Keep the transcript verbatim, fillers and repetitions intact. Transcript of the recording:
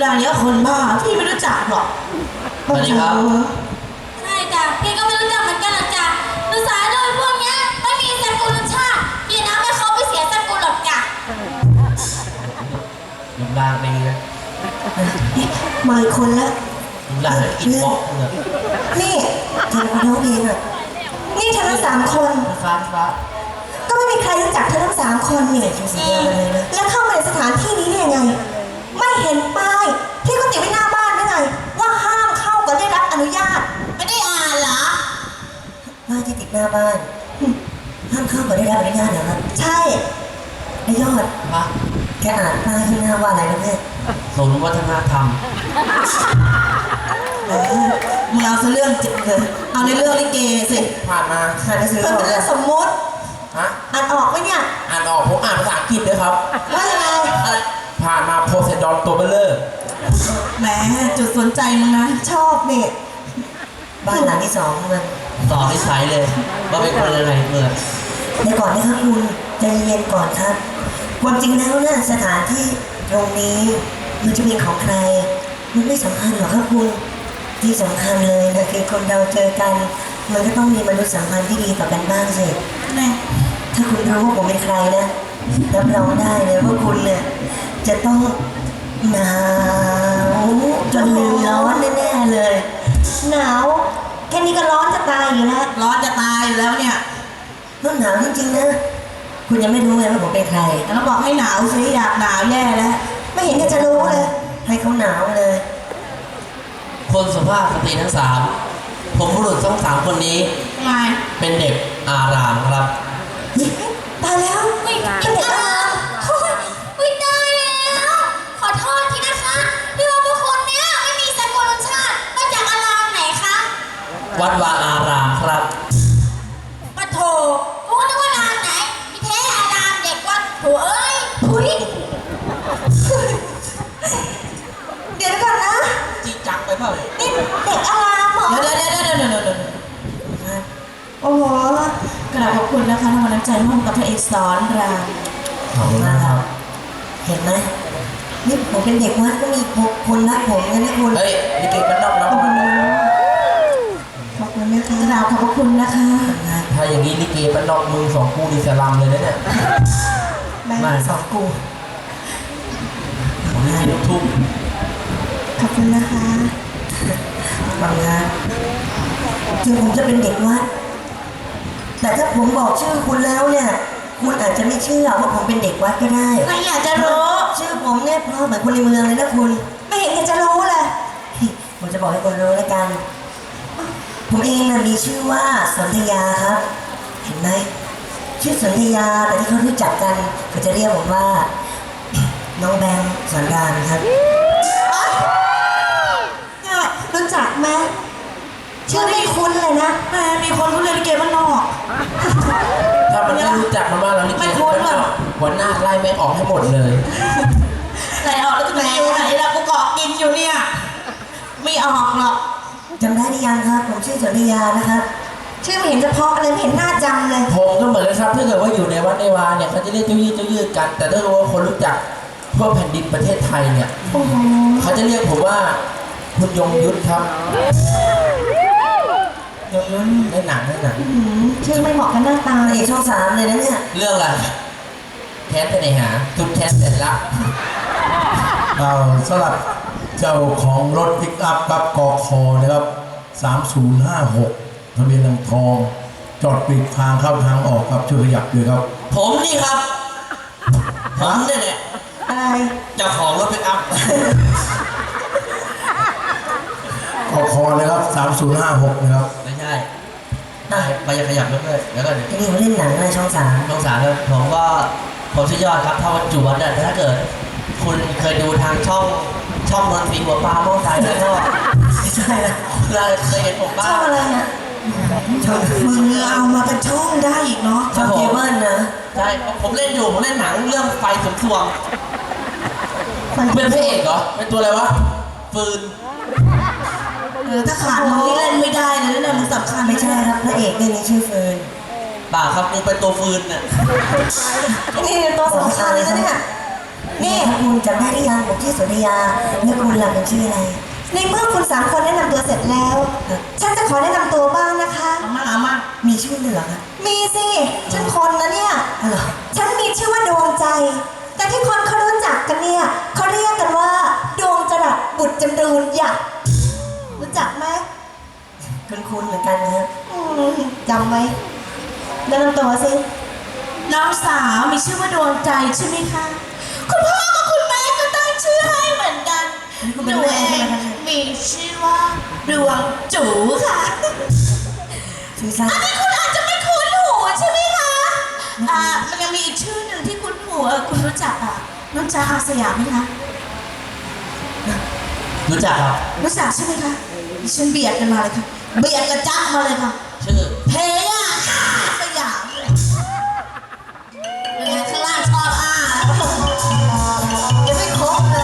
ร่างเนี้ยคนบ้าพี่ไม่รู้จักหรอกสวัสดีครับใช่จ้ะพี่ก็ไม่รู้จักเหมือนกันหรอกจ้ะภาษาโดยพวกเนี้ยไม่มีสกุลชาติพี่นะไม่เขาไปเสียสกุลหรอกจ้ะรูปร่างดีนะมาอีกคนละรูปร่างอินบ็อกซ์เลยนี่เธอมาร้องเพลงอ่ะนี่เธอทั้งสามคนฟ้าฟ้าก็ไม่มีใครรู้จักเธอทั้งสามคนนี่แล้วเข้ามาในสถานที่นี้ได้ยังไงไม่เห็นป้ายที่เขาติดไว้หน้าบ้านได้ไงว่าห้ามเข้าก็ได้รับอนุญาตไม่ได้อ่านเหรอป้ายที่ติดหน้าบ้านห้ามเข้าก็ได้รับอนุญาตเหรอครับใช่ไอ้ยอดฮะแกอ่านป้ายที่หน้าว่าอะไรนะเนี่ยศูนย์วัฒนธรรมมึงเอาซะเรื่องจริงเลยเอาในเรื่องลิเกสิผ่านมาอ่านหนังสือมันเป็นเรื่องสมมติฮะอ่านออกไหมเนี่ยอ่านออกผมอ่านภาษาอังกฤษด้วยครับว่ายังไงผ่านมาโพไซดอนตัวเบลเลอร์แหมจุดสนใจมึงนะชอบเนี่ยบ้านหลังที่สองมันต่อนิสัยเลยว่าเป็นคนอะไรเมื่อในก่อนนะครับคุณใจเย็นก่อนครับความจริงแล้วเนี่ยสถานที่ตรงนี้มันจะเป็นของใครมันไม่สำคัญหรอกครับคุณที่สำคัญเลยนะคือคนเราเจอกันมันก็ต้องมีมนุษยสัมพันธ์ที่ดีต่อกันบ้างสิแน่ถ้าคุณรู้ว่าผมเป็นใครนะรับรองได้เลยว่าคุณเนี่ยจะต้องหนาวจนร้อนแน่ๆเลยหนาวแค่นี้ก็ร้อนจะตายอยู่แล้วร้อนจะตายอยู่แล้วเนี่ยต้องหนาวจริงๆนะคุณยังไม่รู้เลยว่าผมเป็นใครแล้วบอกให้หนาวสิอยากหนาวแย่แล้วไม่เห็นจะรู้เลยให้เขาหนาวเลยคนสุภาพสตรีทั้งสามผมบุรุษทั้งสามคนนี้เป็นเด็กอารามครับตายแล้วเป็นเด็กอารามอุ้ยตายแล้วขอโทษทีนะคะที่ว่าพวกคนเนี้ยไม่มีสกุลชาติมาจากอารามไหนคะวัดวาอารามครับปะโถกูนึกว่าอารามไหนมีแท้อารามเด็กวัดโถเอ้ยถุยเดี๋ยวก่อนนะจริงจังไปเปล่านี่เด็กอารามเหรอเดี๋ยวเดี๋ยวเดี๋ยวเดี๋ยวเดี๋ยวเดี๋ยวโอ้โหกราบขอบคุณนะคะทำกำลังใจร่วมกับพระเอกสอนรามขอบคุณนะครับเห็นไหมนี่ผมเป็นเด็กวัดก็มีคนรักผมกันนะคุณเฮ้ยนี่เก่งมันนอกแล้วขอบคุณนะคะกราบขอบคุณนะคะถ้าอย่างนี้ลิเกมันนอกมือสองคู่ดีสลัมเลยนะเนี่ยมาสองคู่ผมนี่ลูกทุ่งขอบคุณนะคะบางงานถึงผมจะเป็นเด็กวัดแต่ถ้าผมบอกชื่อคุณแล้วเนี่ยคุณอาจจะไม่เชื่อว่าผมเป็นเด็กวัดก็ได้ไม่อยากจะรู้ชื่อผมเนี่ยเพราะเหมือนคนในเมืองเลยนะคุณไม่เห็นจะรู้เลยผมจะบอกให้คุณรู้แล้วกันผมเองนะมีชื่อว่าสนธยาครับเห็นไหมชื่อสนธยาแต่ที่เขารู้จักกันเขาจะเรียกผมว่าน้องแบงค์สอนรามครับรู้จักไหมชื่อไม่คุ้นเลยนะแม่มีคนรู้เรียนลิเกบ้านนอกถ้ามันไม่รู้จักมาบ้างแล้วลิเกบ้านนอกหัวหน้าไล่แม่ออกให้หมดเลยไล่ออกแล้วจะไปอยู่ไหนล่ะกูเกาะกินอยู่เนี่ยไม่ออกหรอกจำได้หรือยังครับผมชื่อสนธยานะครับชื่อไม่เห็นจะเพาะอะไรไม่เห็นหน้าจำเลยผมก็เหมือนกันครับถ้าเกิดว่าอยู่ในวัดในวาเนี่ยเขาจะเรียกเจ้ายืดเจ้ายืดกันแต่ถ้ารู้ว่าคนรู้จักทั่วแผ่นดินประเทศไทยเนี่ยเขาจะเรียกผมว่าคุณยงยุทธครับยงยุทธในหนังในหนังชื่อไม่เหมาะกับหน้าตาเอกช่องสามเลยนะเนี่ยเรื่องอะไรแค้นไปไหนหาจุดแค้นเสร็จละเอาสลับเจ้าของรถปิกอัพกับกคนะครับสามศูนย์ห้าหกทะเบียนทางทองจอดปิดทางเข้าทางออกครับช่วยขยับด้วยครับผมนี่ครับผมนี่แหละอะไรเจ้าของรถปิกอัพกคเลยครับสามศูนย์ห้าหกนะครับไม่ใช่ไปยังขยับเรื่อยๆแล้วก็นี่เขาเล่นหนังอะไรช่องสามช่องสามครับผมก็ผมชื่อยอดครับถ้าวันจุวัดแต่ถ้าเกิดคุณเคยดูทางช่องช่องนนทรีหัวปลาโม่ตายแล้วก็ไม่ใช่ละเราเคยเห็นผมบ้างช่องอะไรเนี่ยช่องมึงเอามาเป็นช่องได้อีกเนาะช่องเคเบิลนะใช่ผมเล่นอยู่ผมเล่นหนังเรื่องไฟสมทวงเป็นพระเอกเหรอเป็นตัวอะไรวะฟืนเออถ้าขาดมึงนี่เล่นไม่ได้เลยนะมึงสำคัญไม่ใช่ครับพระเอกเนี่ยชื่อฟืนป่าครับมึงเป็นตัวฟืนน่ะนี่ตัวสำคัญเลยนะเนี่ยนี่ครับคุณจำได้หรือยังผมชื่อสุริยาแล้วคุณล่ะเป็นชื่ออะไรในเมื่อคุณสามคนแนะนำตัวเสร็จแล้ว ฉันจะขอแนะนำตัวบ้างนะคะมาอามามีชื่อด้วยเหรอครับมีสิ ฉันคนนะเนี่ยอ๋อเหรอฉันมีชื่อว่าดวงใจ แต่ที่คนเขารู้จักกันเนี่ยเขาเรียกกันว่า ดวงจรัสบุตรจำรูนหยักรู้จักไหมคุณคุณเหมือนกันนะครับอืมจำไหมแนะนำตัวสิน้องสาวมีชื่อว่าดวงใจใช่ไหมคะ คุณพ่อกับคุณแม่ก็ตั้งชื่อให้เหมือนกันหนูเองมีชื่อว่าดวงจูค่ะชื่อสั้นอันนี้คุณอาจจะไม่คุ้นหูใช่ไหมคะ อ่า มันยังมีอีกชื่อหนึ่งที่คุ้นหูเออคุณรู้จักอ่ะน้องจ๊ะอาสยามไหมคะรู้จักครับรู้จักใช่ไหมคะดิฉันเบียดกันมาเลยค่ะ เบียดกระจ๊ะมาเลยค่ะ